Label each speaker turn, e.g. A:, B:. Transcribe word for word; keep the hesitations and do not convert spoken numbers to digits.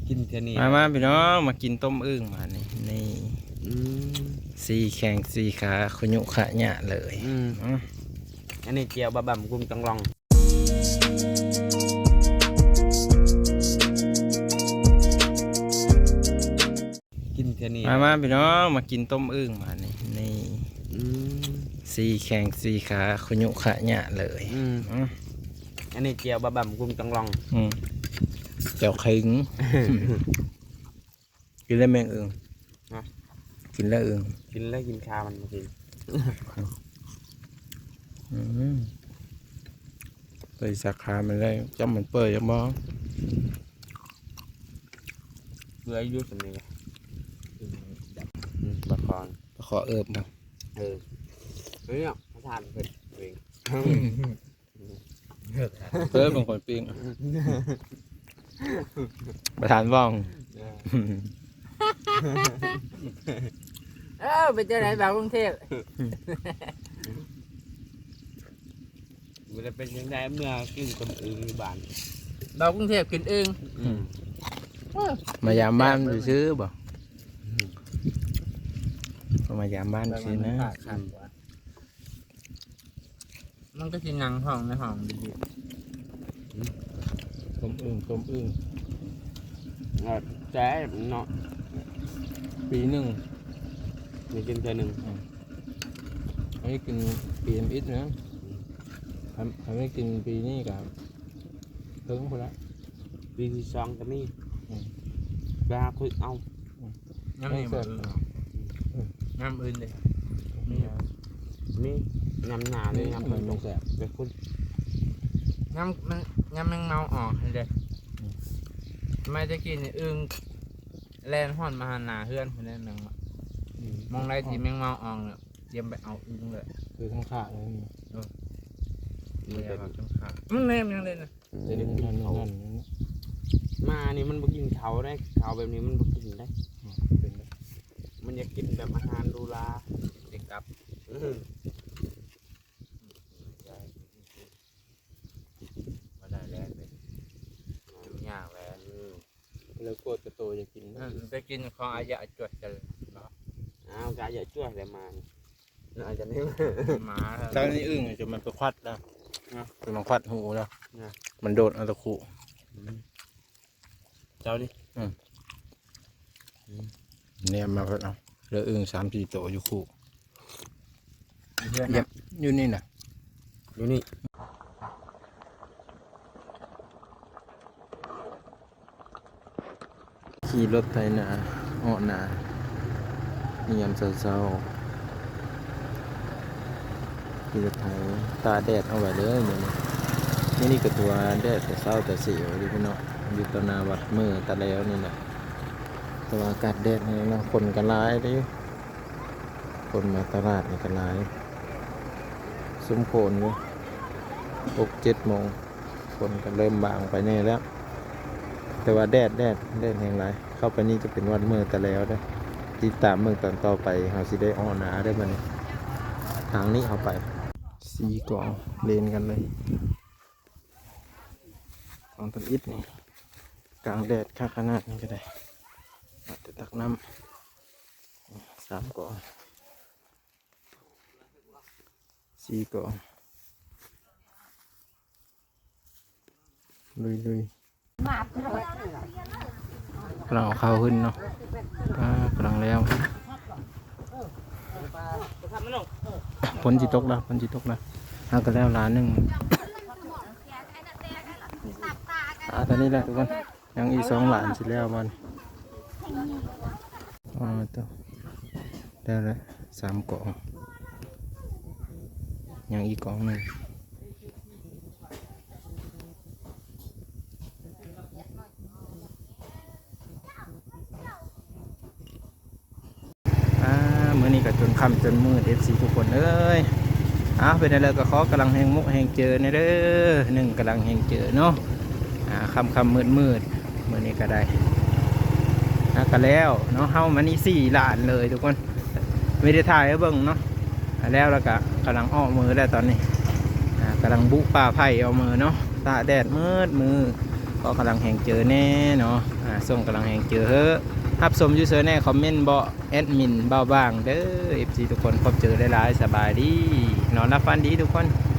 A: กินเท่านี้
B: มามาพี่น้องมากินต้มอึ่งมานี่นี่
A: อืม
B: สี่แข้งสี่ขาขยุขะหยะเลย
A: อืม
B: อืม
A: อันนี้เจียวบะบ่ำกุ้งจังลองกินเท่านี้
B: มามาพี่น้องมากินต้มอึ่งมานี่นี่
A: อืม
B: สี่แข้งสี่ขาขยุขะหยะเลย
A: อืม
B: อืม
A: อันนี้เจียวบะบ่ำกุ้งจังลอง
B: อืมเจ้าขิง กินแล้วแมงอึ่ง
A: ฮะ
B: กินแล้วอึ่ง
A: กินแล้วกินคามันมากิน
B: อืมเปิดสาขามันได้จำมันเปิดยังบ้อง
A: เพื่ออายุสำเนียงอืมบะคอน
B: ขอเอิบมา
A: เออเฮ้ยเนี่ยพระทานเพิ่นเอง
B: เพิ่มบางคนปิ้งประธานว่อง
C: เออไปเจอไหนบ่าวกรุงเทพ
A: มันจะเป็นยังไงเมื่อกินต้มอึ่งอยู่บ้าน
C: บ่าวกรุงเทพกินเอง
A: อืม
B: มายามบ้านไปซื้อบ่ก็มายามบ้านซื้อนะ
C: มันก็กินหนังห้องในห้องดี
B: ต้มอึ่งต้มอึ่ง
A: เอาแจ๊เนาะ
B: ปีหนึ่ง
A: มีกินเท่านึง
B: อันนี้กินปีเอ็มอิสนะทำทำให้กินปีนี้กับเพิ่งพอละ
A: ปีที่สองก็มี
B: อืม
A: ไปหาคุยเอา
C: ๆน้ำนี่บ่น้ำอื่นเลยมี
A: มียำหนาเลย
B: นี่
A: ยำ
B: มั
A: มัน น
B: ไม่แสบ
A: ไปคุย
C: น้ำมันน้ำแมงเมาออกเลย
B: อืม
C: ไม่จะกินอึ่งแลนห่อนมาหาหนาเฮือนคนนั้นแมงเมามองไรที่แมงเมาออกเนี่ยเตรียมไปเอาอึ่งเลย
B: คือข้างขาเลยนี่
C: เลยแบบจังขามันแนมยังเลยนะ
B: เดี๋ยวนี้นั่นนั่นนั่น
A: มานี่มันบ่กินเขาได้เขาแบบนี้มันบ่กินได้
B: เป็น
A: มันอยากกินแบบอาหารดูลา
C: เด็กกลับ
A: อืม
C: มาได้แล้วเลยดูยากแล้ว
B: แล้วโคตรกระโตจะกิน
C: ไปกินของอายะจวดกันเนาะ
A: อ้าวกะอย่าช่วยอะไรมาน่าจะนี่
C: หมา
B: ตอนนี้อึ่งจะมันไปควัดแล้วจะมันควัดหูแล้ว
A: นะ
B: มันโดดเอาตะคุ
A: เจ้าดิ
B: เนี่ยมาเพิ่นเอาเหลืออึ่งสามสี่ตัวอยู่คู่
C: เพื่อน
B: เย็บอยู่นี่น่ะ
A: ดูนี่
B: ขี่รถไถนาเหาะนานี่ยามเช้าๆขี่รถไถตาแดดเอาไว้เลยนี่นี่นี่ก็ตัวแดดแต่เช้าแต่เสียวดิพี่น้องอยู่ตนาวัดมือตะแล้วนี่น่ะแต่ว่าอากาศแดดนี่เนาะคนก็หลายเดิคนมาตลาดนี่ก็หลายซุ้มโคนอยู่หกเจ็ดโมงคนก็เริ่มบางไปแน่แล้ว แต่ว่าแดดแดดแดดแห่งไรเข้าไปนี่จะเป็นวันเมื่อแต่แล้วได้ติดตามเมืองตอนต่อไปเขาสิได้อ้อหนาได้มันทางนี้เอาไปสีกล่องเลนกันเลยกล่องต้นอิฐนี่กลางแดดค่าขนาดนี้ก็ได้อาจจะตักน้ำสามกล่องสี่กล่องลุยลุยกำลังเอาข้าวขึ้นเนาะป้ากำลังแล้วฝนจิตกแล้วฝนจิตกแล้วเอากันแล้วล้านหนึ่งอ่าตอนนี้แหละทุกคนยังอีกสองหลานสิแล้วมันอ๋อตัวได้แล้วสามกล่องยังอีกกล่องหนึ่งเมื่อนี้ก็จนค่ำจนมืด เอฟ ซี ทุกคนเอ้ยอ้าวเป็นอะไรก็ขอกำลังแหงมุกแหงเจอในเด้อหนึ่งกำลังแหงเจอเนาะอ่าคำคำมืดมืดเมื่อนี้ก็ได้นะก็แล้วเนาะเฮามันนี่สี่หลานเลยทุกคนไม่ได้ถ่ายให้เบิ่งเนาะแล้วแล้วก็กำลังอ้อมือแล้วตอนนี้อ่ากำลังบุป่าไผ่เอามือเนาะตาแดดมืดมือก็กำลังแห่งเจอแน่เนาะอ่าส่งกำลังแห่งเจอเฮ้อฮับสมยูเซอร์แน่คอมเมนต์บ่แอดมินเบ้าบ้างเด้อ เอฟ ซี ทุกคนพบเจอหลายๆสบายดีนอนรับฟันดีทุกคน